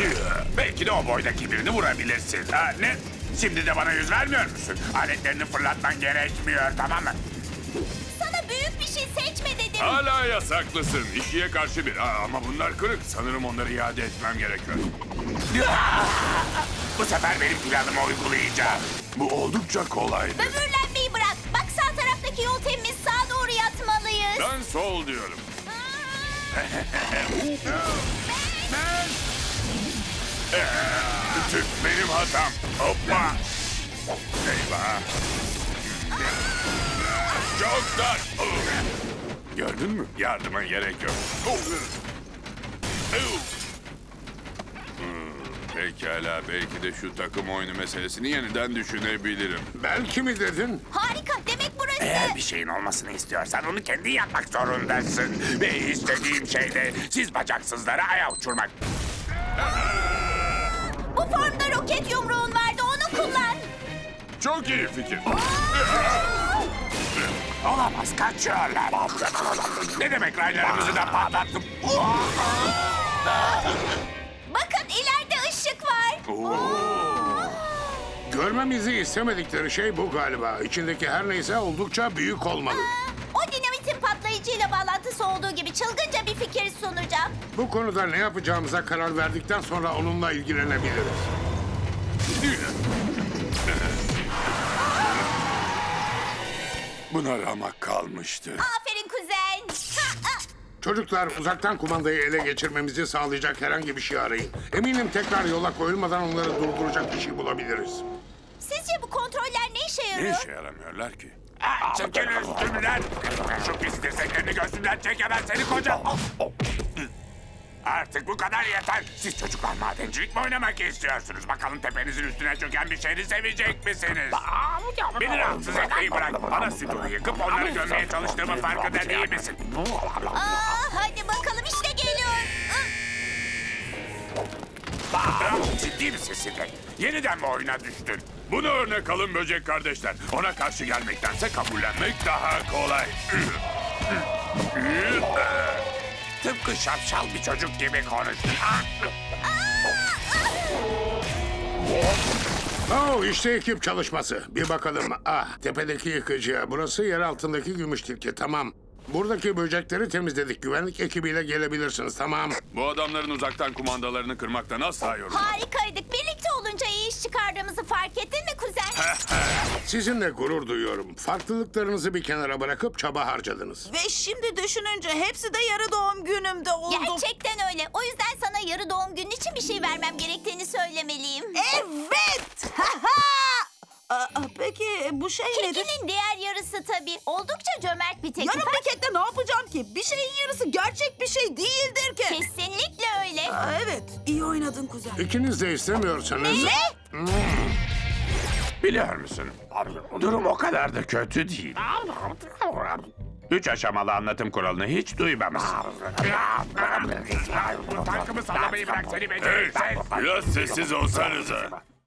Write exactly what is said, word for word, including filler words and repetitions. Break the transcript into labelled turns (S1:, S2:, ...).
S1: Belki de o boydaki birini vurabilirsin. Ha, ne? Şimdi de bana yüz vermiyor musun? Aletlerini fırlatman gerekmiyor, tamam mı?
S2: Sana büyük bir şey seçme dedim.
S3: Hala yasaklısın. İkiye karşı bir. Aa, ama bunlar kırık. Sanırım onları iade etmem gerekiyor.
S1: Bu sefer benim planımı uygulayacağım. Bu oldukça kolaydı.
S2: Böbürlenmeyi bırak. Bak sağ taraftaki yol temiz. Sağa doğru yatmalıyız.
S3: Ben sol diyorum.
S1: Tüh, benim hatam. Hoppa. Eyvah.
S3: Çok dar.
S1: Gördün mü?
S3: Yardıma gerek yok. Hmm, Pekala, belki de şu takım oyunu meselesini yeniden düşünebilirim.
S4: Belki mi dedin?
S2: Harika. Demek burası.
S1: Eğer bir şeyin olmasını istiyorsan onu kendi yapmak zorundasın. Ve istediğim şey de siz bacaksızlara aya uçurmak.
S2: Bu formda roket yumruğun vardı. Onu kullan.
S3: Çok iyi fikir.
S1: Olamaz, kaçıyorlar. Ne demek raylarımızı da patlattım?
S2: Bakın ileride ışık var.
S4: Görmemizi istemedikleri şey bu galiba. İçindeki her neyse oldukça büyük olmalı.
S2: O dinamitin patlayıcıyla bağlantısı olduğu gibi çılgınca bir fikir sunacağım.
S4: Bu konuda ne yapacağımıza karar verdikten sonra onunla ilgilenebiliriz.
S3: Buna ramak kalmıştı.
S2: Aferin kuzen. Ha, ha.
S4: Çocuklar, uzaktan kumandayı ele geçirmemizi sağlayacak herhangi bir şey arayın. Eminim tekrar yola koyulmadan onları durduracak bir şey bulabiliriz.
S2: Sizce bu kontroller ne işe
S3: Ne
S2: yarıyor?
S3: işe yaramıyorlar ki?
S1: Çekil üstümden. Şu pis dirseklerini gözümden çek hemen seni koca. Artık bu kadar yeter. Siz çocuklar madencilik mi oynamak istiyorsunuz? Bakalım tepenizin üstüne çöken bir şehri sevecek misiniz? Beni rahatsız etmeyi bırak. Bana stüdyoyu yıkıp onları gömmeye çalıştığımı farkında değil misin?
S2: Aa, hadi bakalım işte geliyor.
S1: Bravo, ciddi misin Sidney? Yeniden mi oyuna düştün?
S3: Bunu örnek alın böcek kardeşler. Ona karşı gelmektense kabullenmek daha kolay.
S1: Tıpkı şapşal bir çocuk gibi konuştun.
S4: Oh, işte ekip çalışması. Bir bakalım. Ah, tepedeki yıkıcı. Burası yer altındaki gümüş tilki. Tamam. Buradaki böcekleri temizledik. Güvenlik ekibiyle gelebilirsiniz. Tamam.
S3: Bu adamların uzaktan kumandalarını kırmaktan asla yorulmam.
S2: Harikaydık. Birlikte olunca iyi iş çıkardığımızı fark ettin mi kuzen?
S4: Sizinle gurur duyuyorum. Farklılıklarınızı bir kenara bırakıp çaba harcadınız.
S5: Ve şimdi düşününce hepsi de yarı doğum günümde oldu.
S2: Gerçekten öyle. O yüzden sana yarı doğum günün için bir şey vermem gerektiğini söylemeliyim.
S5: Evet! Ha ha! Aa, peki bu şey nedir?
S2: Kekinin diğer yarısı tabii. Oldukça cömert bir teklif.
S5: Yarım pakette ne yapacağım ki? Bir şeyin yarısı gerçek bir şey değildir ki.
S2: Kesinlikle öyle.
S5: Aa, evet, iyi oynadın kuzen.
S4: İkiniz de istemiyorsanız...
S1: Biliyor musun? Durum o kadar da kötü değil. Üç aşamalı anlatım kuralını hiç duymamışsın. Tankımı sallamayı bırak seni beceriksiz.
S3: Biraz sessiz olsanıza.